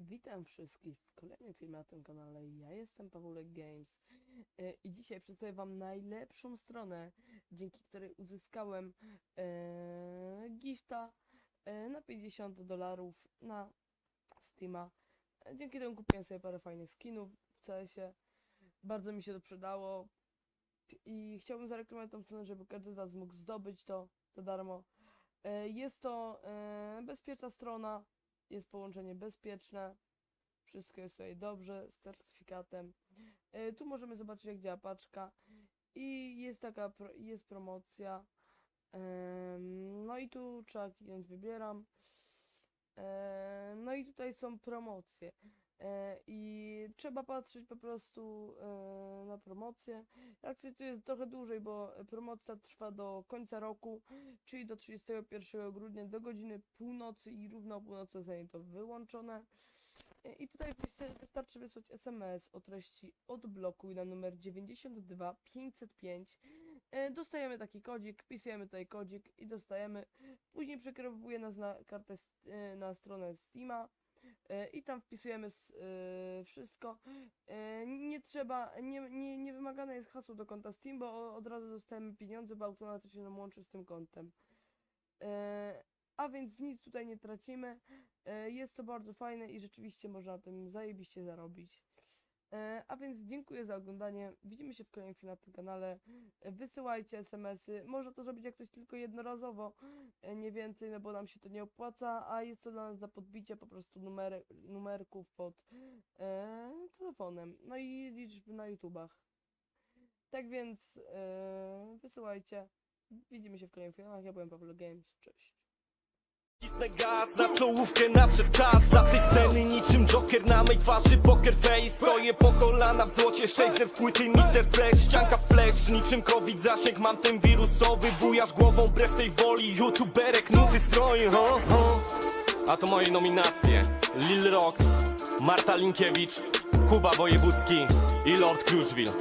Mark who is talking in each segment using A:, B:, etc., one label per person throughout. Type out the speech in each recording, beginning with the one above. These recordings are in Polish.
A: Witam wszystkich w kolejnym filmie na tym kanale. Ja jestem Pawulek Games i dzisiaj przedstawię wam najlepszą stronę, dzięki której uzyskałem gifta na $50 na Steama. Dzięki temu kupiłem sobie parę fajnych skinów w CS-ie. Bardzo mi się to przydało i chciałbym zareklamować tą stronę, żeby każdy z was mógł zdobyć to za darmo. Jest to bezpieczna strona. Jest połączenie bezpieczne, wszystko jest tutaj dobrze, z certyfikatem. Tu możemy zobaczyć, jak działa paczka i jest jest promocja. No i tu trzeba kliknąć wybieram. No i tutaj są promocje. I trzeba patrzeć po prostu na promocję. Akcja tu jest trochę dłużej, bo promocja trwa do końca roku, czyli do 31 grudnia do godziny północy i równo o północy zostanie to wyłączone. I tutaj wystarczy wysłać SMS o treści odblokuj na numer 92505. Dostajemy taki kodzik, wpisujemy tutaj kodzik i dostajemy. Później przekierowuje nas na kartę, na stronę Steama. I tam wpisujemy wszystko. Nie trzeba, nie wymagane jest hasło do konta Steam, bo od razu dostajemy pieniądze, bo automatycznie nam łączy z tym kontem. A więc nic tutaj nie tracimy. Jest to bardzo fajne i rzeczywiście można na tym zajebiście zarobić. A więc dziękuję za oglądanie. Widzimy się w kolejnym filmie na tym kanale. Wysyłajcie SMS-y. Można to zrobić jak coś tylko jednorazowo, nie więcej, no bo nam się to nie opłaca, a jest to dla nas za podbicie po prostu numerków pod telefonem. No i liczby na YouTubach. Tak więc wysyłajcie. Widzimy się w kolejnym filmie. Ja byłem Pawulek Games. Cześć.
B: Cisnę gaz, na czołówkę nadszedł czas. Dla tej sceny niczym Joker na mej twarzy poker face. Stoję po kolana w złocie, 600 płyty Mr. Flex. Ścianka flash, niczym COVID zasięg. Mam ten wirusowy, bujasz głową wbrew tej woli. YouTuberek, nuty stroi, ho, ho. A to moje nominacje: Lil Rox, Marta Linkiewicz, Kuba Wojewódzki i Lord Kruszwil.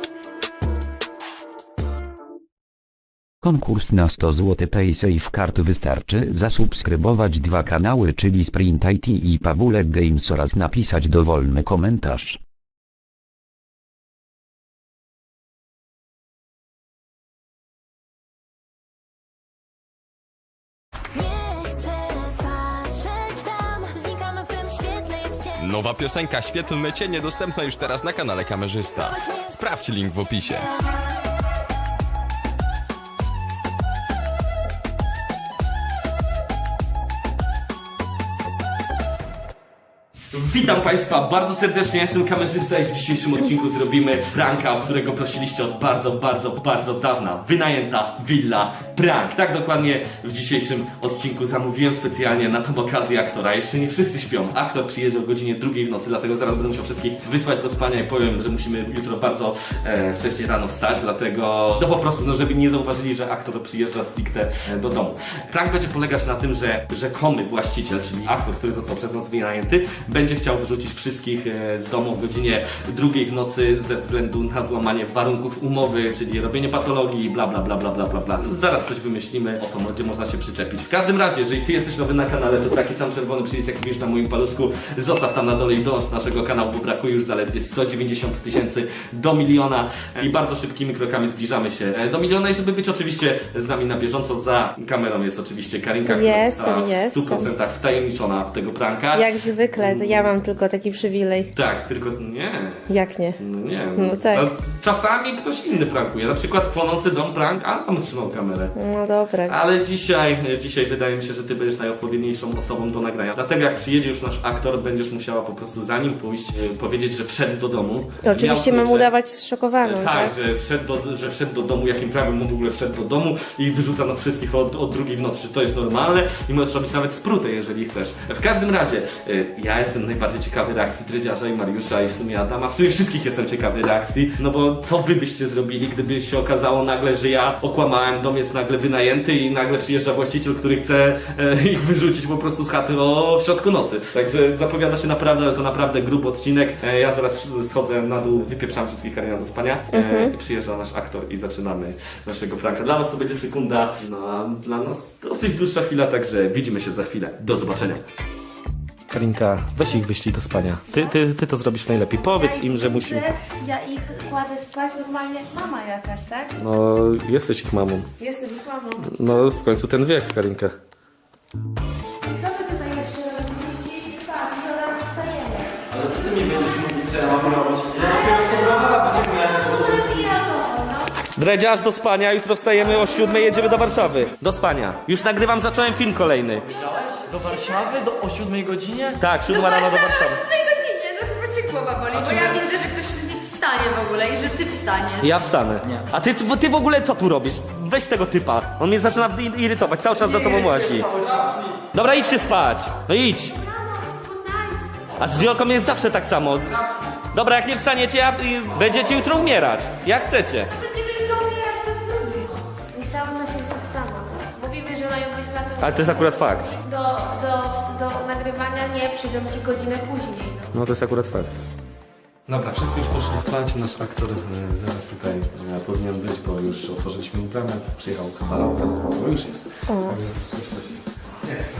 C: Konkurs na 100 zł PaySafe Card. Wystarczy zasubskrybować 2 kanały, czyli Sprint IT i Pawulek Games, oraz napisać dowolny komentarz.
D: Nie chcę patrzeć tam, znikamy w tym świetle jak cień.
E: Nowa piosenka Świetlne Cienie dostępna już teraz na kanale Kamerzysta. Sprawdź link w opisie.
B: Witam Państwa bardzo serdecznie, ja jestem Kamerzysta i w dzisiejszym odcinku zrobimy pranka, o którego prosiliście od bardzo dawna. Wynajęta willa prank. Tak dokładnie w dzisiejszym odcinku zamówiłem specjalnie na tą okazję aktora. Jeszcze nie wszyscy śpią. Aktor przyjedzie o godzinie 2 w nocy, dlatego zaraz będę musiał wszystkich wysłać do spania i powiem, że musimy jutro bardzo wcześnie rano wstać, dlatego no po prostu, no żeby nie zauważyli, że aktor przyjeżdża stricte do domu. Prank będzie polegać na tym, że rzekomy właściciel, czyli aktor, który został przez nas wynajęty, będzie chciał wyrzucić wszystkich z domu o godzinie 2 w nocy ze względu na złamanie warunków umowy, czyli robienie patologii, bla bla bla bla bla bla bla. Zaraz coś wymyślimy, o co będzie można się przyczepić. W każdym razie, jeżeli ty jesteś nowy na kanale, to taki sam czerwony przycisk, jak widzisz na moim paluszku, zostaw tam na dole i dąż do naszego kanału, bo brakuje już zaledwie 190 000 do 1 000 000 i bardzo szybkimi krokami zbliżamy się do 1 000 000 i żeby być oczywiście z nami na bieżąco, za kamerą jest oczywiście Karinka, która została w 100% wtajemniczona w tego pranka.
F: Jak zwykle, to ja mam tylko taki przywilej.
B: Tak, tylko nie.
F: Jak nie?
B: No nie.
F: No tak.
B: Czasami ktoś inny prankuje. Na przykład płonący dom prank, a tam trzymał kamerę.
F: No dobra.
B: Ale dzisiaj wydaje mi się, że ty będziesz najodpowiedniejszą osobą do nagrania. Dlatego jak przyjedzie już nasz aktor, będziesz musiała po prostu za nim pójść, powiedzieć, że wszedł do domu.
F: Oczywiście mam udawać zszokowaną,
B: Tak,
F: tak?
B: że wszedł do domu, jakim prawem on w ogóle wszedł do domu i wyrzuca nas wszystkich od 2 w nocy, czy to jest normalne i możesz robić nawet sprutę, jeżeli chcesz. W każdym razie, ja jestem najbardziej ciekawy reakcji Dredziarza i Mariusza i w sumie Adama. W sumie wszystkich jestem ciekawy reakcji, no bo co wy byście zrobili, gdyby się okazało nagle, że ja okłamałem, dom jest nagle wynajęty i nagle przyjeżdża właściciel, który chce ich wyrzucić po prostu z chaty w środku nocy. Także zapowiada się naprawdę, ale to naprawdę gruby odcinek. Ja zaraz schodzę na dół, wypieprzam wszystkich Karina do spania i przyjeżdża nasz aktor i zaczynamy naszego pranka. Dla was to będzie sekunda, no a dla nas dosyć dłuższa chwila, także widzimy się za chwilę. Do zobaczenia. Karinka, weź ich wyślij do spania. Ty to zrobisz najlepiej. Powiedz im, że musimy...
F: Ja ich kładę spać normalnie jak mama jakaś, tak?
B: No, jesteś ich mamą.
F: Jestem ich mamą.
B: No, w końcu ten wiek, Karinka.
F: Co wy tutaj jeszcze robicie? Idź spać, to rano wstajemy.
B: Ale co ty mi będziesz mówić, co ja mam robić? Dredziarz do spania, jutro wstajemy o 7, jedziemy do Warszawy. Do spania. Już nagrywam, zacząłem film kolejny.
G: Do Warszawy? O 7 godzinie?
B: Tak, 7 rano do Warszawy.
H: W tej godzinie, no chyba cię głowa boli, bo ja widzę, że ktoś nie wstanie w ogóle i że ty wstaniesz.
B: Ja wstanę. A ty w ogóle co tu robisz? Weź tego typa. On mnie zaczyna irytować, cały czas za tobą łazi. Dobra, idźcie spać. No idź. A z Wiolką jest zawsze tak samo. Dobra, jak nie wstaniecie, będziecie jutro umierać. Jak chcecie.
H: Będziemy jutro umierać to trudno.
F: I cały czas jest tak samo. Mówimy, że mają być na to.
B: Ale to jest akurat fakt.
F: Do nagrywania nie, przyjdą ci godzinę później.
B: No to jest akurat fakt. Dobra, wszyscy już poszli spać. Nasz aktor zaraz tutaj powinien być, bo już otworzyliśmy mu bramę. Przyjechał kawalerka, bo już jest. Jest.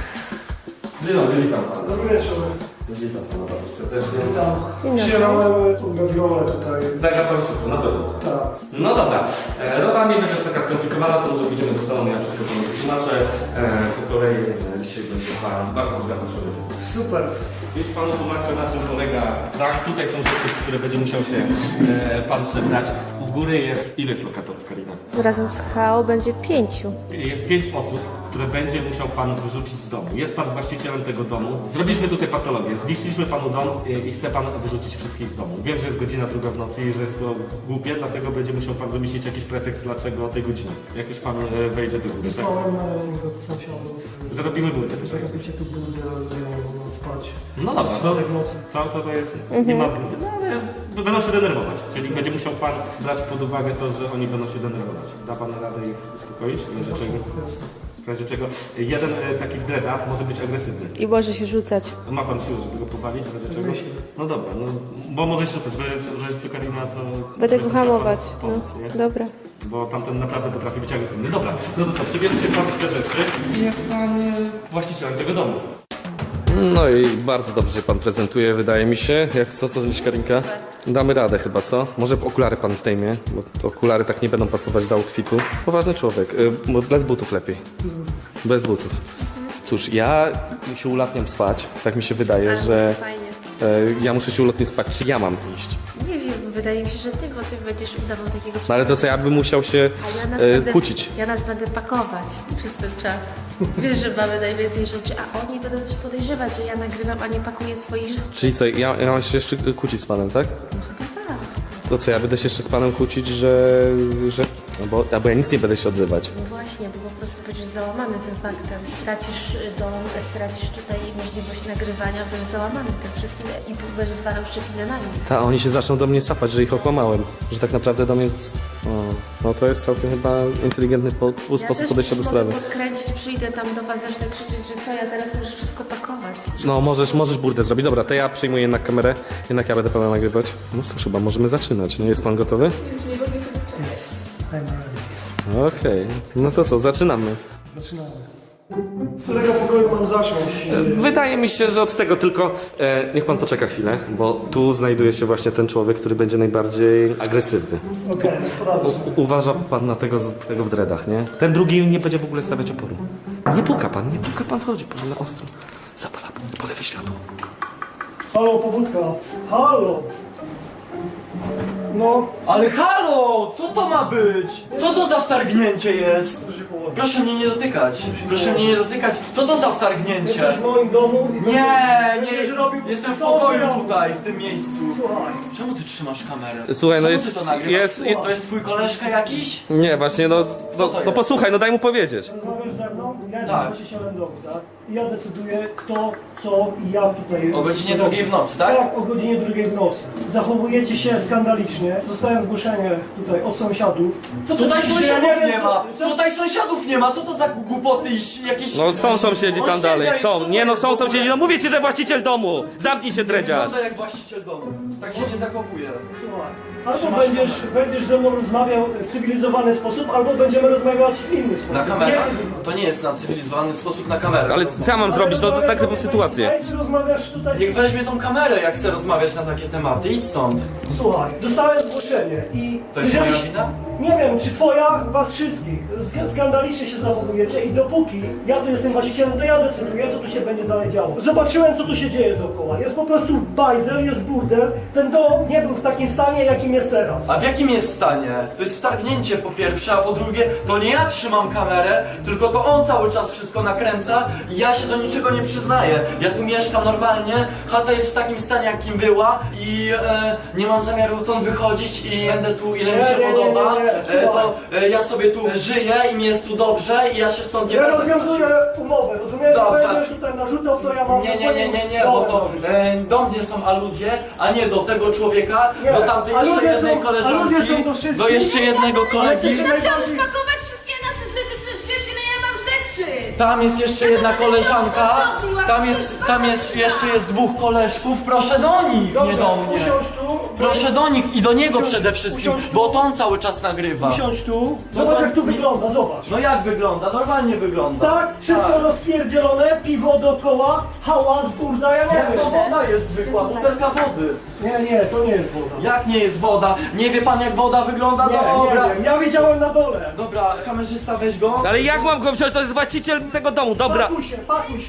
B: Witam pana.
I: Dobry wieczór.
B: Witam pana bardzo serdecznie.
F: Dzień dobry.
I: Przyjechałem gabiolę tutaj.
B: Zagra pan wszystko, na pewno.
I: Tak.
B: No dobra, rola nie będzie taka skomplikowana, to może pójdziemy do salonu, ja wszystko panu wytłumaczę. Po kolei dzisiaj będzie pan bardzo bogaty człowiek.
I: Super.
B: Już panu tłumaczę, na czym polega. Tak, tutaj są rzeczy, które będzie musiał się pan przebrać. U góry jest, ile jest lokatorów, Karina?
F: Razem z HO będzie 5.
B: Jest 5 osób, które będzie musiał pan wyrzucić z domu. Jest pan właścicielem tego domu. Zrobiliśmy tutaj patologię. Zniszczyliśmy panu dom i chce pan wyrzucić wszystkich z domu. Wiem, że jest godzina 2 w nocy i że jest to głupie, dlatego będzie musiał pan wymyślić jakiś pretekst, dlaczego o tej godzinie. Jak już pan wejdzie do góry, tak?
I: Wysłałem do sąsiadów.
B: Że robimy burdę tutaj.
I: Robicie tu burdę, że ja mogę spać.
B: No dobra, to jest, nie ma burdy, no ale będą się denerwować. Czyli będzie musiał pan brać pod uwagę to, że oni będą się denerwować. Da pan radę ich uspokoić? W razie czego? W razie czego jeden taki w dreadach może być agresywny.
F: I może się rzucać.
B: Ma pan siłę, żeby go powalić? W razie czego? No dobra, no bo może się rzucać, że jest to Karina, to...
F: Będę go
B: musiała
F: hamować.
B: panu pomóc, nie?
F: Dobra.
B: Bo tamten naprawdę potrafi być agresywny. Dobra, no to co, przebierzecie pan te rzeczy i jest pan właścicielem tego domu. No i bardzo dobrze się pan prezentuje, wydaje mi się. Jak co myślisz, Karinka? Damy radę chyba, co? Może okulary pan zdejmie, bo te okulary tak nie będą pasować do outfitu. Poważny człowiek, bez butów lepiej. Bez butów. Cóż, ja się ulatniam spać, tak mi się wydaje, że
F: Fajnie.
B: ja muszę się ulotnić spać. Czy ja mam iść?
F: Nie wiem, wydaje mi się, że ty, bo ty będziesz udawał takiego
B: No ale to co, ja bym musiał się
F: A ja nas będę,
B: kłócić.
F: Ja nas będę pakować przez ten czas. Wiesz, że mamy najwięcej rzeczy, a oni będą też podejrzewać, że ja nagrywam, a nie pakuję swoich rzeczy.
B: Czyli co, ja mam się jeszcze kłócić z panem, tak?
F: Tak.
B: To co, ja będę się jeszcze z panem kłócić, że bo ja nic nie będę się odzywać.
F: No właśnie, bo po prostu będziesz załamany tym faktem. Stracisz dom, stracisz tutaj możliwość nagrywania, będziesz załamany tym wszystkim i będziesz zwalał szczepinę na nich.
B: Ta, oni się zaczną do mnie sapać, że ich okłamałem. Że tak naprawdę do mnie... no to jest całkiem chyba inteligentny sposób podejścia do sprawy.
F: Mogę podkręcić, przyjdę tam do was, zacznę krzyczeć, że co, ja teraz muszę wszystko pakować.
B: No możesz burdę zrobić. Dobra, to ja przyjmuję jednak kamerę. Jednak ja będę pana nagrywać. No cóż, chyba możemy zaczynać. No jest pan gotowy? Okej. No to co, zaczynamy.
I: Zaczynamy. Z którego pokoju mam zacząć?
B: Wydaje mi się, że od tego tylko... niech pan poczeka chwilę, bo tu znajduje się właśnie ten człowiek, który będzie najbardziej agresywny.
I: Okej, poradzę.
B: Uważa pan na tego w dreadach, nie? Ten drugi nie będzie w ogóle stawiać oporu. Nie puka pan wchodzi, pan na ostro. Zapala po lewej światło.
I: Halo, powódka. Halo. No,
G: Ale halo! Co to ma być? Co to za wtargnięcie jest?
I: proszę się położyć.
G: Proszę mnie nie dotykać. Proszę mnie nie dotykać. Co to za wtargnięcie?
I: Jesteś w moim domu i
G: Nie,
I: będziesz robił
G: jestem w
I: co
G: pokoju
I: ja-
G: tutaj, w tym miejscu.
I: Słuchaj.
G: Czemu ty trzymasz kamerę?
B: Słuchaj, no
G: Czemu
B: jest-
G: ty to nagrywasz?
B: jest-
G: To jest twój koleżka jakiś?
B: Nie, właśnie,
G: to jest?
B: posłuchaj, no daj mu powiedzieć.
I: Rozmawiasz ze mną? Ja jestem
G: Tak.
I: właścicielem domu, tak? I ja decyduję kto, co i jak tutaj...
G: O godzinie 2 w nocy, tak?
I: Tak, o godzinie 2 w nocy. Zachowujecie się skandalicznie. Dostałem zgłoszenie tutaj od sąsiadów. Co to
G: Tutaj
I: się- ja
G: sąsiadów
I: wiem,
G: nie
I: co-
G: ma!
I: co-
G: Tutaj sąsiadów nie ma! Co to za głupoty i jakieś...
B: No są sąsiedzi tam
G: Osiedla
B: dalej,
G: i co
B: są.
G: to
B: Nie no,
G: jest?
B: są sąsiedzi, no mówię ci, że właściciel domu! Zamknij się, dredziarz!
G: Wygląda jak właściciel domu. Tak się nie zachowuje.
I: Słuchaj, Albo będziesz ze mną rozmawiał w cywilizowany sposób, albo będziemy rozmawiać w inny sposób.
G: Na kamerę?
I: Nie-
G: To nie jest na cywilizowany sposób na kamerę.
B: Ale co ja mam zrobić? No
I: rozmawiać
B: tak typą
I: sobie
B: sytuację.
I: face to face, czy rozmawiasz tutaj...
G: Niech weźmie tą kamerę, jak chce rozmawiać na takie tematy. Idź stąd.
I: Słuchaj, dostałem zgłoszenie i...
G: To jest
I: jeżeli-
G: moja wina?
I: Nie wiem, czy twoja, was wszystkich. Skandalicznie się zachowujecie i dopóki ja tu jestem właścicielem, to ja decyduję, co tu się będzie dalej działo. Zobaczyłem, co tu się dzieje dookoła. Jest po prostu bajzel, jest burdel. Ten dom nie był w takim stanie, jakim jest teraz.
G: A w jakim jest stanie? To jest wtargnięcie po pierwsze, a po drugie, to nie ja trzymam kamerę, tylko to on cały czas wszystko nakręca i ja się do niczego nie przyznaję. Ja tu mieszkam normalnie, chata jest w takim stanie, jakim była i nie mam zamiaru stąd wychodzić i będę tu ile mi się
I: Nie,
G: podoba.
I: słuchaj.
G: To ja sobie tu żyję i mi jest tu dobrze i ja się stąd nie
I: Ja
G: będę
I: rozwiązuję umowę, rozumiesz?
G: Dobrze.
I: Będziesz tutaj narzucał, co ja mam.
G: Nie, bo to do mnie są aluzje, a nie do tego człowieka,
I: Nie,
G: do tamtej jeszcze
I: aluzje
G: jednej
I: są-
G: koleżanki,
I: aluzje są do wszystkich.
G: do jeszcze jednego kolegi.
H: Zaczęłam spakować wszystkie nasze rzeczy, przecież wiesz ile ja mam rzeczy!
G: Tam jest jeszcze jedna koleżanka, tam jest jeszcze jest dwóch koleżków, proszę do nich, nie do mnie.
I: Usiądź tu.
G: Proszę do nich i do niego
I: Usiądź-
G: przede wszystkim,
I: usiądź tu.
G: bo to on cały czas nagrywa.
I: Usiądź tu. Zobacz, jak tu wygląda, zobacz.
G: No jak wygląda? Normalnie wygląda.
I: Tak, wszystko rozpierdzielone, piwo dookoła, hałas, burda, ja nie
G: Jak to
I: wiem.
G: woda jest zwykła, butelka wody.
I: Nie, to nie jest woda.
G: Jak nie jest woda? Nie wie pan jak woda wygląda? Dobra.
I: Nie wiem, ja widziałem na dole.
G: Dobra, kamerzysta weź go.
B: Ale jak mam go wziąć? To jest właściciel tego domu, dobra.
I: Pakuj się.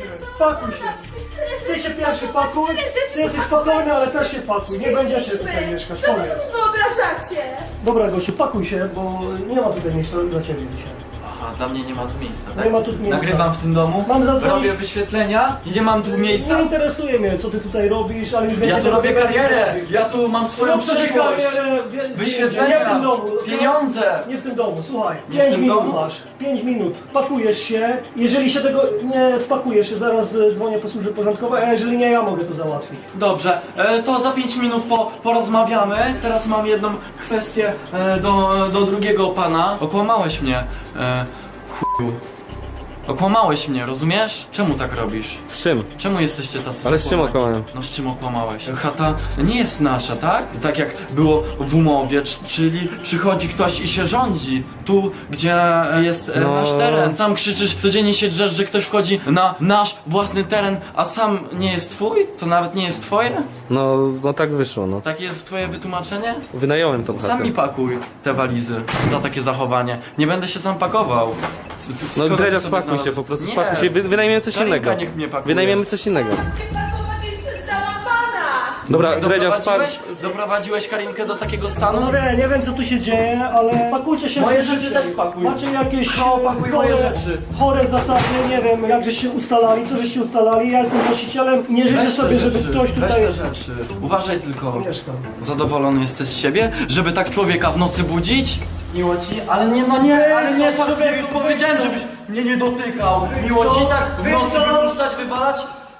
I: Ty się pierwszy pakuj, ty jesteś spokojny, ale też się pakuj. Nie będziecie tutaj mieszkać, koniec.
H: Wyobrażacie?
I: Dobra, gościu, pakuj się, bo nie ma tutaj miejsca dla ciebie dzisiaj.
G: Aha, dla mnie nie ma tu miejsca, tak?
I: Nie ma tu miejsca.
G: Nagrywam w tym domu,
I: Mam zadzwonić-
G: robię wyświetlenia i nie mam tu miejsca.
I: Nie interesuje mnie, co ty tutaj robisz, ale już
G: Ja
I: wiecie,
G: tu robię
I: co ty
G: karierę,
I: robisz.
G: ja tu mam swoją
I: Rób sobie
G: przyszłość.
I: karierę,
G: Wyświetlenia,
I: nie w tym domu.
G: pieniądze.
I: Nie w tym domu, słuchaj.
G: Nie w
I: 5
G: tym
I: minut
G: domu?
I: masz. 5 minut. Pakujesz się. Jeżeli się tego nie spakujesz, zaraz dzwonię po służbę porządkową, a jeżeli nie, ja mogę to załatwić.
G: Dobrze, to za 5 minut porozmawiamy. Teraz mam jedną kwestię do drugiego pana. Okłamałeś mnie, chuju. Okłamałeś mnie, rozumiesz? Czemu tak robisz?
B: Z czym?
G: Czemu jesteście tacy
B: Ale z czym
G: okłamani?
B: okłamałem?
G: No z czym okłamałeś? Chata nie jest nasza, tak? Tak jak było w umowie, czyli przychodzi ktoś i się rządzi. Tu, gdzie jest
B: No.
G: nasz teren. Sam krzyczysz, codziennie się drzesz, że ktoś wchodzi na nasz własny teren, a sam nie jest twój? To nawet nie jest twoje?
B: No tak wyszło, no.
G: Takie jest twoje wytłumaczenie?
B: Wynająłem tą
G: Sam
B: chatę.
G: mi pakuj te walizy za takie zachowanie. Nie będę się sam pakował.
B: No
G: Skoro
B: Dredzia,
G: sobie
B: spakuj
G: znalazł-
B: się, po prostu
G: Nie.
B: spakuj się. Wynajmiemy coś
G: Karinka
B: innego.
G: niech mnie pakuje.
B: Wynajmiemy coś innego.
H: Pakować jest załamana!
B: Dobra, Dredzia,
G: Doprowadziłeś Karinkę do takiego stanu?
I: No nie wiem co tu się dzieje, ale pakujcie się.
G: Moje
I: wszyscy.
G: rzeczy też spakuj.
I: Macie jakieś
G: Pakuj moje rzeczy.
I: chore zasady, nie wiem jak żeście ustalali, co żeście ustalali. Ja jestem właścicielem i nie życzę
G: Weź te
I: sobie, żeby
G: rzeczy,
I: ktoś
G: weź
I: tutaj
G: te rzeczy. Uważaj tylko.
I: mieszkał.
G: Zadowolony jesteś z siebie? Żeby tak człowieka w nocy budzić? Miło ci? Ale nie, człowieku, już powiedziałem, żebyś mnie nie dotykał. Miło ci tak w nocy wypuszczać, wywalać?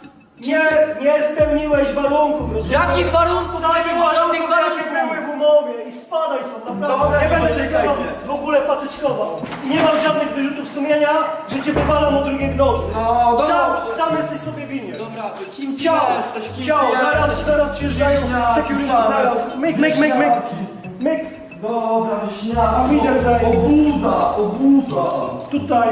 I: Nie spełniłeś warunków, rozumiesz?
G: Jakich warunków? Nie było żadnych
I: Jakie
G: warunków!
I: były w umowie i spadaj stąd, naprawdę.
G: Dobra,
I: nie
G: nie
I: będę cię
G: dotykaj
I: chyba
G: mnie.
I: w ogóle patyczkował. I nie mam żadnych wyrzutów sumienia, że cię wywalam o drugiej w nocy.
G: No, dobra.
I: Sam jesteś sobie winien.
G: Dobra, kim ty
I: Ciao,
G: jesteś? Kim
I: ciao,
G: ty jesteś?
I: zaraz przyjeżdżają security, zaraz. Myk.
G: Dobra, wieśniaka.
I: A widzę,
G: Obuda.
I: tutaj.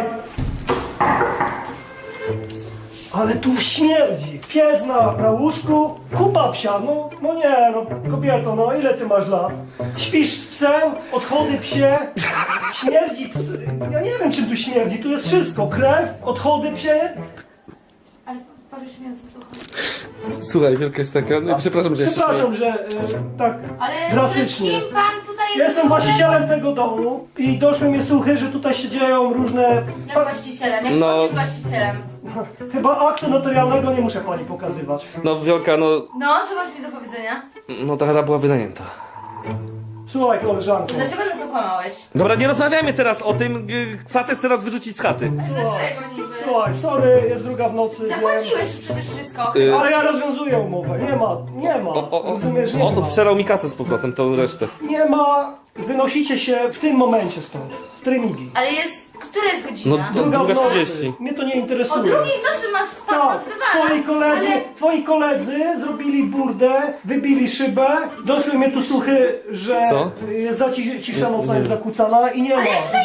I: Ale tu śmierdzi. Pies na łóżku, kupa psia. No nie, kobieto, ile ty masz lat? Śpisz z psem, odchody psie, śmierdzi psy. Ja nie wiem czym tu śmierdzi, tu jest wszystko. Krew, odchody psie.
H: Ale powiesz mi o co tu chodzi.
B: Słuchaj, wielka jest taka. No, przepraszam, że
I: Przepraszam, że tak
H: Ale
I: drastycznie.
H: kim pan tutaj jest?
I: Ja jestem właścicielem tego domu i doszły mnie słuchy, że tutaj się dzieją różne...
H: Jak właścicielem? Jak
B: No.
H: pan jest właścicielem?
I: Chyba aktu notarialnego nie muszę pani pokazywać.
B: No Wielka,
H: No, co masz mi do powiedzenia?
B: no ta chata była wynajęta.
I: Słuchaj, koleżanko.
H: Dlaczego nas okłamałeś?
B: Dobra, nie rozmawiajmy teraz o tym. Facet chce nas wyrzucić z chaty.
H: Dlaczego niby?
I: Słuchaj, sorry, jest druga w nocy.
H: Zapłaciłeś już przecież wszystko.
B: Y,
I: Ale ja rozwiązuję umowę. Nie ma. Rozumiesz, nie ma.
B: Obszerał mi kasę z powrotem, tą resztę.
I: Nie ma. Wynosicie się w tym momencie stąd. W Tremigi.
H: Ale jest która jest godzina?
E: No,
I: Druga w nocy.
E: 2:30.
I: Mnie to nie
H: O
I: interesuje.
H: drugiej w nocy masz pan
I: Tak,
H: nas wywala.
I: twoi koledzy zrobili burdę, wybili szybę, doszły mnie tu słuchy, że
E: Co?
I: cisza nocna jest zakłócana i nie ma.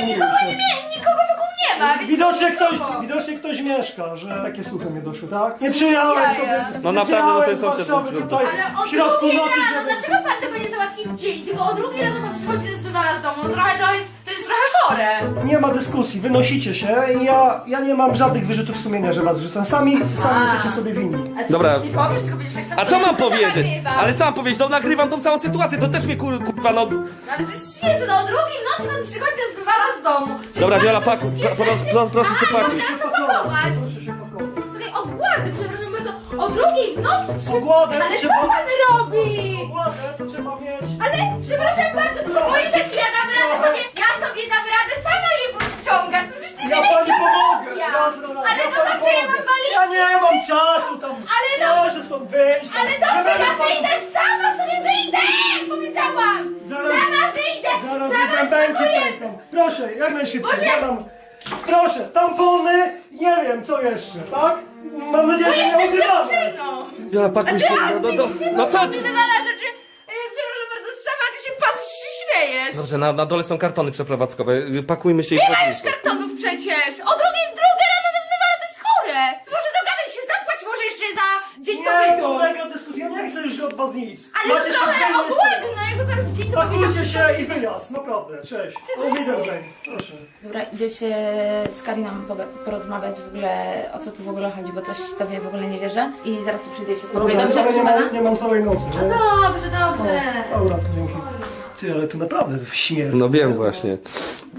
H: Nikogo wokół nie ma, więc...
I: Widocznie ktoś mieszka, że takie słuchy mnie doszły, tak? Nie przyjechałem
H: jaja.
I: sobie
E: No
I: nie
E: naprawdę, no to jest
I: przyjechałem z
E: sąsiad.
I: Warszawy tutaj
H: Ale o
I: w środku
H: drugiej
I: nocy,
H: rano,
I: żeby...
H: dlaczego pan tego nie załatwi w dzień? Tylko o drugiej rano pan przychodzi z wywala z domu, no to jest trochę chore.
I: Nie ma dyskusji, wynosicie się i ja nie mam żadnych wyrzutów sumienia, że was wrzucam. Sami jesteście sobie winni.
H: A ty
E: Dobra.
H: nic nie powiesz, tylko będziesz tak samo...
E: A co mam
H: to
E: powiedzieć?
H: nagrywam.
E: Ale co mam powiedzieć? No nagrywam tą całą sytuację, to też mnie kurwa no...
H: No ale to jest śmieszne, no o drugiej w nocy pan przychodzi z wywala z domu.
E: Dobra, Wiola,
H: Wszystkie
E: pakuj,
H: rzeczy-
E: proszę cię
H: A,
E: pakuj.
H: no teraz to pakować.
I: Proszę się pakować.
H: Tutaj obłady, przepraszam bardzo, o drugiej w nocy
I: Ogładę
H: Ale co
I: trzeba...
H: pan robi?
I: Ogładę to trzeba mieć...
H: Ale przepraszam bardzo, moje rzeczy ja dam radę sobie, dam radę sama je ściągać. Przecież ty
I: Ja
H: wiesz,
I: pani
H: jaka
I: pomogę!
H: ja.
I: Jasno,
H: Ale
I: ja
H: to
I: pani
H: znaczy ja mam
I: pomogę.
H: walizkę.
I: Ja nie mam czasu tam!
H: Ale no-
I: Proszę stąd wyjść!
H: Ale dobrze, ja wyjdę, sama sobie wyjdę! Powiedziałam!
I: Zaraz-
H: Sama wyjdę!
I: Zaraz
H: Sama
I: bębenki
H: spróbuję!
I: pękną. Proszę, jak najszybciej.
H: Boże!
I: Ja mam... Proszę, tampony, nie wiem co jeszcze, tak? Mam nadzieję,
H: Bo
I: że nie
H: jestem
I: używamy.
H: dziewczyną!
E: Wiola, pakuj się, no co?
H: Ty wywala rzeczy, przepraszam bardzo, sama ty się patrzysz i śmiejesz!
E: Dobrze, na dole są kartony przeprowadzkowe, pakujmy się i
H: Nie ma
E: wchodzimy.
H: już kartonów przecież! O drugie rano nas wywala, to jest chore! Może dogadaj się, zapłać może jeszcze za dzień
I: Nie,
H: pobytu!
I: kolega dyskusja, nie chcę już od was nic.
H: Ale to
I: Macie
H: trochę
I: świąteczne
H: ogłady, no jakby pan w dzień to powiedział...
I: Pakujcie się i wyjazd, naprawdę, cześć. O widzenia, proszę.
F: Dobra, idę się z Kariną porozmawiać w ogóle, o co tu w ogóle chodzi, bo coś tobie w ogóle nie wierzę. I zaraz tu przyjdę i się spokojnie.
I: Dobra,
F: Dobrze,
I: nie
F: proszę
I: mam, nie mam całej nocy.
H: No dobrze, dobrze.
I: Dobra, to dzięki. Ty, ale to naprawdę śmierć.
E: No wiem właśnie. To,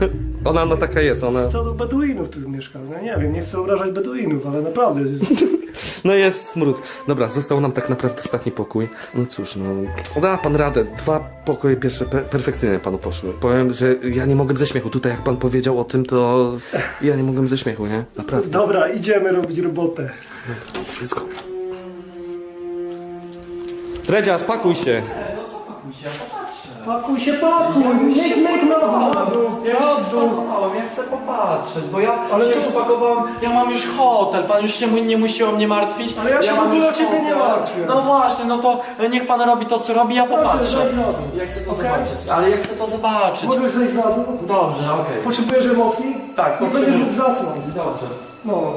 E: ona taka jest, ona...
I: Co do Beduinów tu mieszka, no nie wiem, nie chcę obrażać Beduinów, ale naprawdę.
E: No jest smród. Dobra, został nam tak naprawdę ostatni pokój. No cóż, no... Da pan radę. 2 pokoje pierwsze perfekcyjnie panu poszły. Powiem, że ja nie mogłem ze śmiechu. Tutaj jak pan powiedział o tym, to... Ja nie mogłem ze śmiechu, nie? Naprawdę.
I: Dobra, idziemy robić robotę.
E: Let's go. Dredziarz, pakuj się.
I: Pakuj się, pakuj! Myk na dół!
G: Ja już
I: Na
G: się
I: dół!
G: spakowałem, ja chcę popatrzeć, bo ja
I: Ale
G: się
I: to-
G: już spakowałem, ja mam już hotel, pan już się nie musi o mnie martwić.
I: Ale ja się w
G: mam
I: ogóle
G: już
I: o ciebie nie
G: hotel.
I: martwię.
G: No właśnie, no to niech pan robi to, co robi, ja
I: Proszę,
G: popatrzę.
I: zejdź na dół.
G: Ja chcę to
I: Okej?
G: zobaczyć, ale ja chcę to zobaczyć.
I: Możesz zejść na dół?
G: Dobrze, okej.
I: Potrzebujesz emocji?
G: Tak,
I: Nie
G: potrzebuję.
I: będziesz mógł zasnąć.
G: Dobrze.
I: No.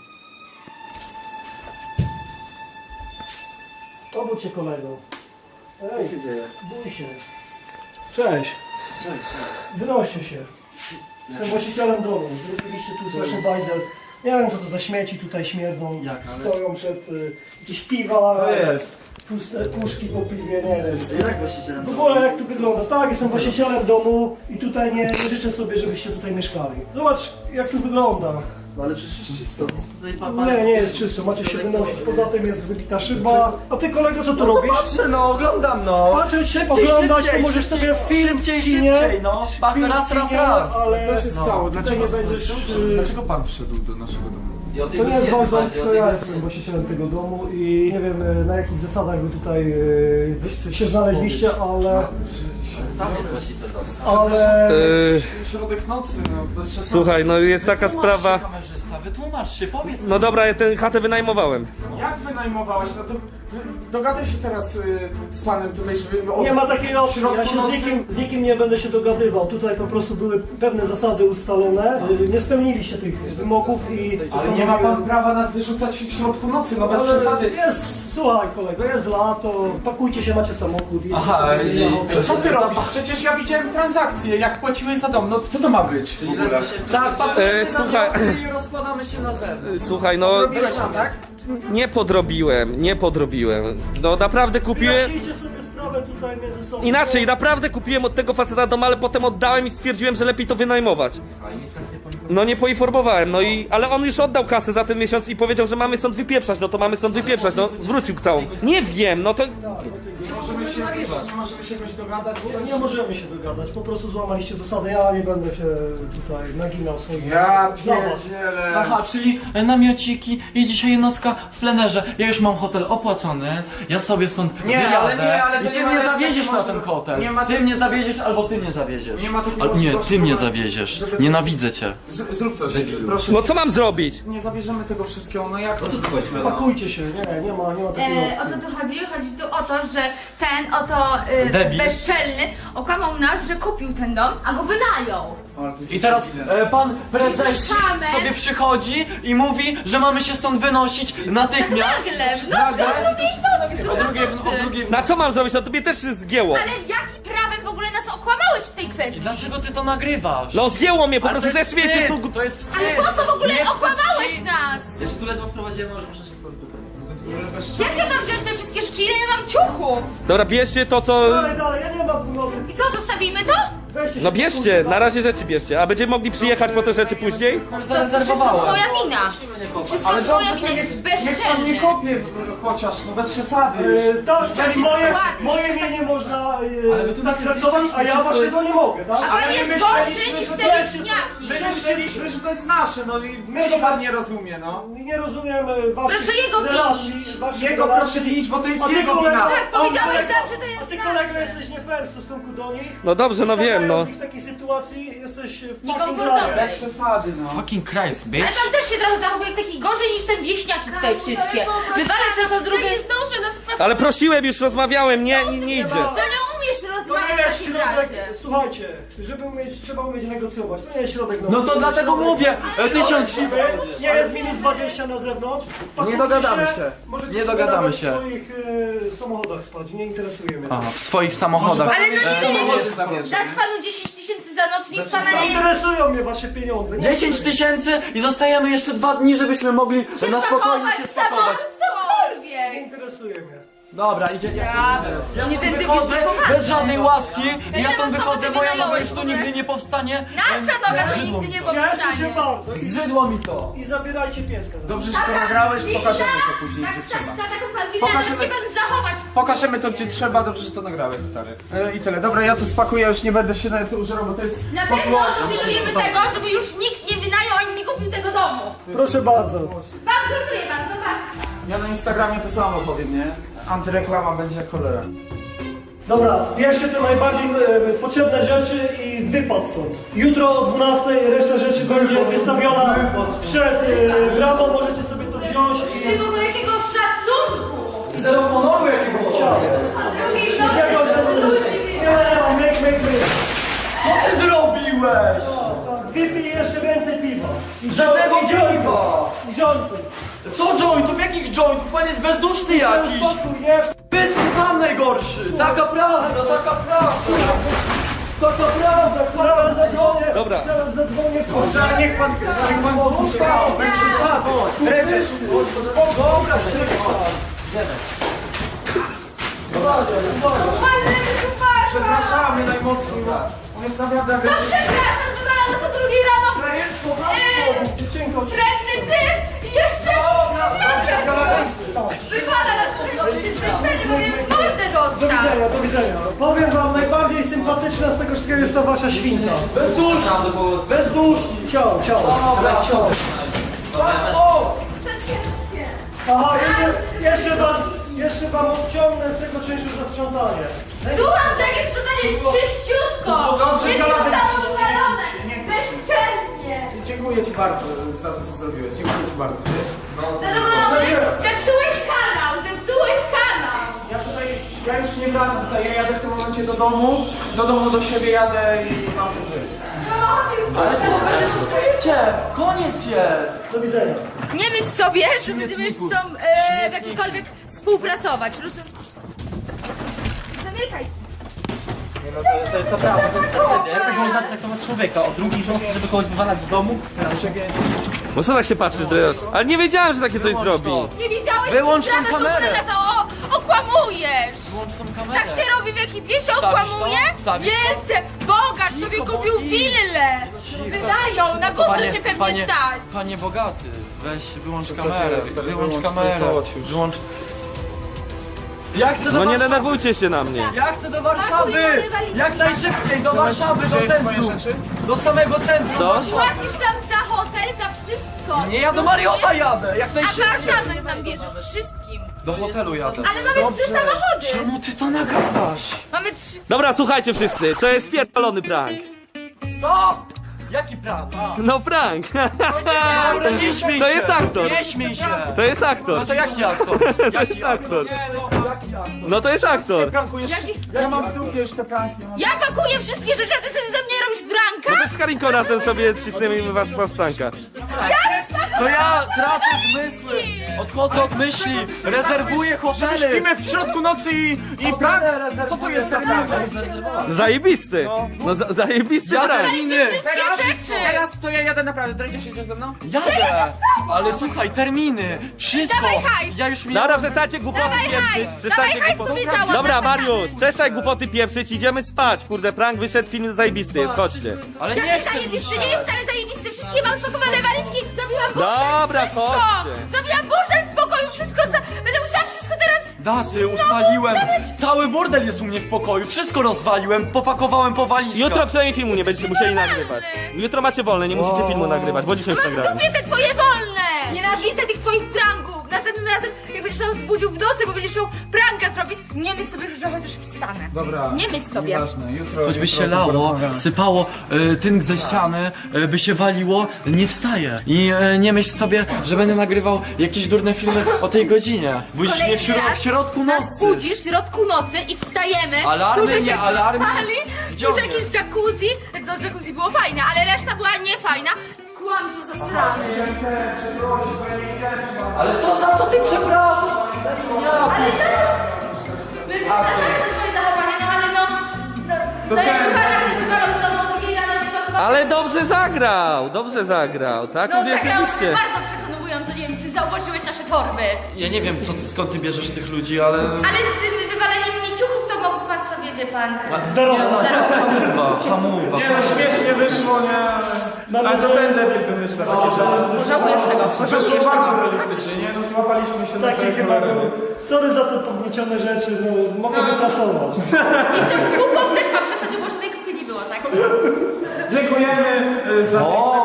I: Obudź się, kolego. Ej, bój się. Cześć.
G: Cześć.
I: Wynoście się. Jestem właścicielem domu. Zrobiliście tu straszny bajzel. Nie wiem, co to za śmieci tutaj śmierdzą.
G: Jak, ale-
I: Stoją przed jakieś piwa.
G: Co jest?
I: Puste puszki po piwie, nie wiem.
G: Jak właścicielem?
I: W ogóle jak tu wygląda? Tak, jestem właścicielem domu i tutaj nie życzę sobie, żebyście tutaj mieszkali. Zobacz, jak tu wygląda.
G: No ale przecież jest czysto.
I: Nie jest czysto, macie się wynosić. Poza tym jest wybita szyba. A ty, kolego, co tu robisz?
G: Patrzę, no oglądam, no.
I: Patrzeć, oglądać, to możesz sobie film
G: szybciej,
I: w kinie.
G: szybciej, no.
I: Film
G: Raz,
I: w
G: raz,
I: kinie,
G: raz.
I: Ale
J: Co się stało?
I: tutaj
J: Dlaczego,
I: nie będziesz...
J: dlaczego pan wszedł do naszego domu?
I: To nie jest wasz dom, tylko ja jestem właścicielem tego domu i nie wiem na jakich zasadach wy tutaj się znaleźliście, ale...
G: Tam jest właściciel domu.
I: Ale...
J: Środek nocy, no bez przesady.
E: Słuchaj, no jest taka
G: Wytłumacz się,
E: sprawa...
G: kamerzysta, wytłumacz się, powiedz.
E: No dobra, ja tę chatę wynajmowałem.
J: Jak wynajmowałeś? No to dogadaj się teraz z panem tutaj, żeby...
I: Nie ma takiej opcji, ja
J: środku
I: się
J: nocy-
I: z nikim nie będę się dogadywał. Tutaj po prostu były pewne zasady ustalone. Nie spełniliście tych wymogów i...
J: Ale nie ma pan prawa nas wyrzucać w środku nocy, no bez
I: Ale
J: przesady.
I: jest, słuchaj kolego, jest lato, pakujcie się, macie samochód, jedziecie
G: Aha,
I: sobie
G: i-
I: na hotel.
J: Co ty robisz? Przecież ja widziałem transakcję, jak płaciłeś za dom, no to co to ma być w ogóle?
G: Tak, papiery
E: słuchaj.
G: i rozkładamy się na zewnątrz.
E: Słuchaj, no...
J: Robiłeś tam, tak?
E: Nie podrobiłem. No naprawdę kupiłem...
I: Wyjaśnijcie sobie sprawę tutaj między sobą.
E: Inaczej, naprawdę kupiłem od tego faceta dom, ale potem oddałem i stwierdziłem, że lepiej to wynajmować.
G: A i nic nas nie
E: No nie poinformowałem, no i... Ale on już oddał kasę za ten miesiąc i powiedział, że mamy stąd wypieprzać, no to mamy stąd wypieprzać, no zwrócił całą. Nie wiem, no to...
J: Nie możemy się jakoś dogadać.
I: No nie możemy się dogadać, po prostu złamaliście zasady, ja nie będę się tutaj naginał swoich
J: Ja
I: dla was.
J: pierdzielę.
G: Aha, czyli namiociki i dzisiaj nocka w plenerze. Ja już mam hotel opłacony, ja sobie stąd
J: Nie,
G: wyjadę
J: ale nie, ale to
G: i ty
J: nie ma
G: mnie
J: takiej
G: zawieziesz na
J: możliwości.
G: ten hotel.
J: Nie ma
G: Ty
J: tej-
G: mnie zawieziesz albo ty mnie zawieziesz.
J: Nie ma takiej
G: Nie,
J: możliwości,
G: ty mnie
J: żeby-
G: zawieziesz.
J: żeby coś-
G: Nienawidzę cię.
J: Zrób coś, proszę.
E: No co mam zrobić?
J: Nie zabierzemy tego wszystkiego, no jak to?
I: Pakujcie się, nie ma takiej
H: O
I: opcji.
H: co tu chodzi? Chodzi tu o to, że ten oto
G: Debil.
H: bezczelny okłamał nas, że kupił ten dom, a go wynajął.
G: I teraz pan prezes
H: Słyszałem.
G: sobie przychodzi i mówi, że mamy się stąd wynosić natychmiast.
H: Nagle, w nocy, o drugiej nocy.
E: Na co mam zrobić? No tobie też się zgięło.
H: Ale jakim prawem w ogóle nas okłamałeś w tej kwestii?
G: Dlaczego ty to nagrywasz?
E: No zgięło mnie, po
G: Ale
E: prostu
G: to jest
E: też wiecie,
G: wstyd,
E: tu...
G: to jest wstyd.
H: Ale po co w ogóle
G: Nie wstyd
H: okłamałeś
G: ci.
H: nas?
G: Jeszcze tu ledwo wprowadziłem, a już muszę się stąd wybrać.
H: Jak ja mam wziąć te wszystkie rzeczy? Ile ja mam ciuchów?
E: Dobra, bierzcie to, co...
I: Dalej, ja nie mam północy.
H: I co, zostawimy to?
I: Weźcie się,
E: No bierzcie, na razie rzeczy bierzcie, a będziemy mogli przyjechać po te rzeczy później?
H: To wszystko
G: Zarezerwowałem.
H: twoja wina. Wszystko
J: Ale
H: twoja
J: dobrze,
H: wina,
J: to
H: jest
J: niech pan nie
H: bezczelny.
J: kopie chociaż, no bez przesady już.
I: Tak,
H: Taki skład.
I: moje mienie można
J: Ale my tu
I: tak traktować, a ja waszego nie mogę, tak?
H: A pan jest gorszy niż te wieśniaki.
J: My myśleliśmy, że to jest nasze, no i
I: My
J: czego
I: się-
J: pan nie rozumie, no?
I: Nie rozumiem waszych
H: Proszę jego
I: relacji,
H: winić.
I: waszych
J: Jego
I: relacji.
J: proszę winić, bo to
I: A
J: jest
I: ty
J: jego
I: kolego,
J: wina.
H: Tak, powiedziałeś
I: kolego,
H: nam, że to
I: a
H: jest
I: ty kolego
H: nasze.
I: jesteś nie fair w stosunku do nich.
E: No dobrze, no wiem, no.
I: W takiej sytuacji jesteś w fucking
H: Niekomfortowy.
J: Bez przesady, no.
G: Fucking Christ,
H: Ale
G: bitch.
H: pan też się trochę zachowuje jak taki gorzej niż ten wieśniaki tutaj wszystkie. Wywalasz nas o drugie. Nie zdążę nas
E: Ale prosiłem, już rozmawiałem, nie idzie.
H: To nie umiesz
I: To nie
H: rozmawiać w
I: jest
H: takim
I: środek,
H: razie.
I: słuchajcie, żeby umieć, trzeba umieć negocjować. To nie jest środek
G: No to
I: nocy,
G: dlatego
I: środek-
G: mówię, tysiąc...
I: Nie jest minus 20 na zewnątrz. Pakujcie
J: dogadamy
I: się.
J: się.
I: Możecie
J: Nie
I: sobie
J: dogadamy
I: nawet
J: się.
I: w swoich samochodach spać, nie interesuje mnie.
G: Aha, w swoich samochodach.
H: Ale no nie
J: samochody
H: wiem,
J: zabierze.
H: dać panu 10 tysięcy za noc, nikt pana
I: Nie
H: nie...
I: interesują mnie wasze pieniądze. Nie
G: 10 tysięcy i zostajemy jeszcze 2 dni, żebyśmy mogli na spokojnie się spakować.
I: Nie
H: Cokolwiek.
I: interesuje mnie.
G: Dobra, idzie. Ja
H: Nie
G: stąd
H: ten typ
G: wychodzę
H: jest poważny.
G: bez żadnej łaski i ja
H: ile
G: stąd
H: mam
G: wychodzę,
H: kogo
G: moja
H: ty
G: noga już tu
H: wynająłeś,
G: nigdy nie powstanie.
H: Nasza noga to
G: Zbrzydło
H: nigdy
G: mi
H: nie
G: to.
I: Cieszę się
H: powstanie.
I: bardzo.
G: Zbrzydło mi to.
I: I zabierajcie pieska.
J: Dobrze, że to nagrałeś, pokażemy to później,
H: Tak,
J: gdzie
H: tak,
J: trzeba.
H: na taką pan winę, ale
J: Pokażemy-
H: musi pan zachować.
J: Pokażemy to, gdzie trzeba, dobrze, że to nagrałeś, stary. I tyle. Dobra, ja to spakuję, już nie będę się nawet użerał, bo to jest...
H: Na pewno pilnujemy tego, żeby już nikt nie wynajął ani nie kupił tego domu.
I: Proszę bardzo.
H: Bankrutuje pan, zobacz.
J: Ja na Instagramie to samo powiem, nie? Antyreklama będzie jak cholera.
I: Dobra, bierzcie te najbardziej potrzebne rzeczy i wypad stąd. Jutro o 12 reszta rzeczy będzie wystawiona przed bramą, możecie sobie to wziąć
H: Ty
I: i...
H: w ogóle jakiego szacunku.
I: Zero honoru jakiego chciałem.
H: O drugiej nocy ludzi.
I: Myk.
G: Co ty zrobiłeś?
I: Wypij jeszcze więcej piwa.
G: Żadnego
I: I jointów.
G: piwa.
I: I jointów.
G: Co jointów? Jakich jointów? Pan jest bezduszny jakiś.
I: Spokój, nie?
G: Pan najgorszy. Taka prawda, taka prawda.
I: To prawda, zaraz zadzwonię.
E: Dobra.
I: Zaraz zadzwonię.
J: Dobrze, niech pan uspał, bez przesady. Dredziesz, dobra, przepraszamy najmocniej. On jest naprawdę...
H: No przepraszam, że znalazł do drugiej rano.
I: Dziewczynko,
H: Wredny ty i jeszcze... Wypada nas, że ty jesteś pewnie, bo mordę dostał.
I: do widzenia. Powiem wam, najbardziej sympatyczna z tego wszystkiego jest ta wasza świnka.
G: Bezduszny.
I: Ciao.
H: To ciężkie.
I: Aha, jeszcze wam odciągnę z tego czynszu za sprzątanie.
H: Słucham, że jak jest sprzątanie jest czyściutko.
J: dobrze,
H: Jest
J: działamy.
H: zostało szalone. Bezczelnie.
J: Dziękuję ci bardzo za to, co zrobiłeś. Dziękuję ci bardzo.
H: Zadowolony? Zepsułeś kanał.
J: Ja już nie wracam tutaj, ja jadę w tym momencie do domu do siebie jadę i mam tu żyć.
G: Ale co, będę słuchajcie. Koniec jest.
I: Do widzenia.
H: Nie myśl sobie, że będziemy z tą w jakikolwiek współpracować. Zamykaj.
G: To jest naprawdę, to jest tragedia. Jak tak można traktować człowieka? O drugiej w nocy, żeby kogoś wywalać z domu?
E: No co tak się patrzysz, Drejosz? Ale nie wiedziałem, że takie coś zrobi.
H: Nie wiedziałeś,
G: Wyłącz tą
H: że
G: kamerę.
H: okłamujesz.
G: Włącz tą kamerę.
H: Tak się robi w ekipie, się
G: Wstawisz
H: okłamuje?
G: to? Wstawisz to?
H: Wielce! Bogacz
G: Cicho,
H: sobie
G: bo
H: kupił
G: nie.
H: willę! Wydają, na gówno cię pewnie stać!
G: Panie bogaty, weź wyłącz
J: Co
G: kamerę,
J: ty, stary,
G: wyłącz
J: wyłącz
G: kamerę,
J: to, chodź już.
G: wyłącz... Ja chcę do
E: No nie
G: Warszawy.
E: denerwujcie się na mnie.
G: Ja chcę do Warszawy!
H: Pakuj moje walizki.
G: Jak najszybciej do Warszawy, do
J: Gdzie jest moje
G: centrum!
J: rzeczy?
G: Do samego centrum!
E: Co?
G: Warszawy.
H: Płacisz tam za hotel, za wszystko!
G: Nie, ja do Mariota jadę, jak
H: A
G: najszybciej!
H: apartament nam bierzesz, wszystkim!
G: Do hotelu jadę.
H: Ale mamy 3 samochody!
G: Czemu ty to nagadasz?
H: Mamy 3...
E: Dobra, słuchajcie wszyscy, to jest pierdolony prank.
G: Co? Jaki prank?
E: No prank.
G: Dobra, nie śmiej się!
E: To jest aktor.
G: Nie śmiej się!
E: To jest aktor.
G: No to jaki aktor?
E: To jest aktor.
G: Jaki aktor?
E: No to jest aktor.
J: Prankujesz? Ja mam w dupie już te pranki.
H: Ja pakuję wszystkie rzeczy, a ty sobie ze mnie robisz
E: No
H: branka?
E: też z Karinką razem sobie cisnęmy was w pranka.
G: To ja tracę zmysły! Odchodzę od myśli! Rezerwuję hotele!
J: Śpimy w środku nocy i prank? Co to jest za prank?
E: Zajebisty. No zajebisty prank.
J: Teraz to ja jadę naprawdę, drejdziesz się ze mną?
G: Jadę! Ale słuchaj, terminy! Wszystko!
H: Dawaj hajs!
G: Ja już miałem...
E: Dobra, przestańcie głupoty
H: Dawaj
E: pieprzyć.
H: hajs!
E: Przestańcie
H: Dawaj hajs,
E: głupoty.
H: powiedziałam!
E: Dobra, Mariusz, przestań głupoty pieprzyć, idziemy spać. Kurde, prank wyszedł, film zajebisty jest, chodźcie.
G: Ale nie
H: Jaki
G: chcę
H: zajebisty,
G: już.
H: nie jest wcale zajebisty, wszystkie mam spakowane walizki, zrobiłam burdel,
E: Dobra,
H: wszystko!
E: chodźcie.
H: Zrobiłam burdel w pokoju, wszystko, będę musiała wszystko teraz...
G: Daty, ustaliłem! Cały burdel jest u mnie w pokoju, wszystko rozwaliłem, popakowałem po walizkach.
E: Jutro przynajmniej filmu nie będziecie musieli nagrywać. Jutro macie wolne, nie musicie filmu nagrywać, bo dzisiaj już
H: Mam w
E: nagrałem.
H: dupie te twoje wolne! Nienawidzę tych twoich pranków! Następnym razem, jak będziesz tam zbudził w nocy, bo będziesz chciał pranka zrobić, nie myśl sobie, że chociaż wstanę.
J: Dobra.
H: Nie myśl sobie.
J: Nieważne, jutro...
G: Choćby
J: jutro
G: się lało,
J: porozmawiamy.
G: sypało tynk ze ściany, by się waliło, nie wstaję. I nie myśl sobie, że będę nagrywał jakieś durne filmy o tej godzinie. Budzisz mnie w środku
H: nas
G: nocy.
H: budzisz w środku nocy i wstajemy.
G: Alarmy,
H: tu, że
G: nie
H: się
G: alarmy.
H: pali,
G: Gdzie
H: tu,
G: on
H: że jakieś
G: jest?
H: jacuzzi. No jacuzzi było fajne, ale reszta była niefajna. Kłamco zasrany.
G: Ale to za co ty przepraszam?
H: My przepraszamy za swoje zachowanie, no ale no... To jak pana się zbywał z domu, drugiej rano to chyba...
E: Ale dobrze zagrał, tak?
H: No zagrałyśmy
E: Uwierzyliście.
H: bardzo przekonująco, nie wiem, czy zauważyłeś nasze torby.
G: Ja nie wiem, skąd ty bierzesz tych ludzi, ale...
H: Ale z tym wywalaniem miciuchów to mógł pan sobie, wie pan...
G: Hamuwa.
J: Nie no, śmiesznie wyszło, nie? Ale to ten debil wymyśla takie rzeczy.
H: Żałujesz tego,
J: Wyszło bardzo realistycznie, nie? No złapaliśmy się na
I: Takie
J: tej
I: chyba
J: cholerę.
I: były. Sorry za te pogniecione rzeczy, no mogę wyprasować.
H: I z tą kupą też pan przesadził, bo żadnej kupy nie było, tak?
J: Dziękujemy za...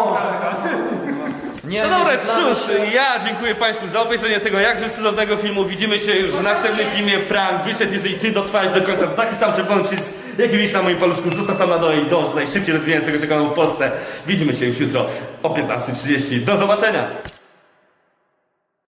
G: Nie,
E: No dobra,
G: nie znamy
E: cóż,
G: się.
E: ja dziękuję Państwu za obejrzenie tego jakże cudownego filmu. Widzimy się już w następnym filmie. Prank wyszedł, jeżeli Ty dotrwałeś do końca. To taki sam czerwony przycisk, jaki widzisz na moim paluszku. Zostaw tam na dole i dąż do najszybciej rozwijającego się kanału w Polsce. Widzimy się już jutro o 15:30. Do zobaczenia!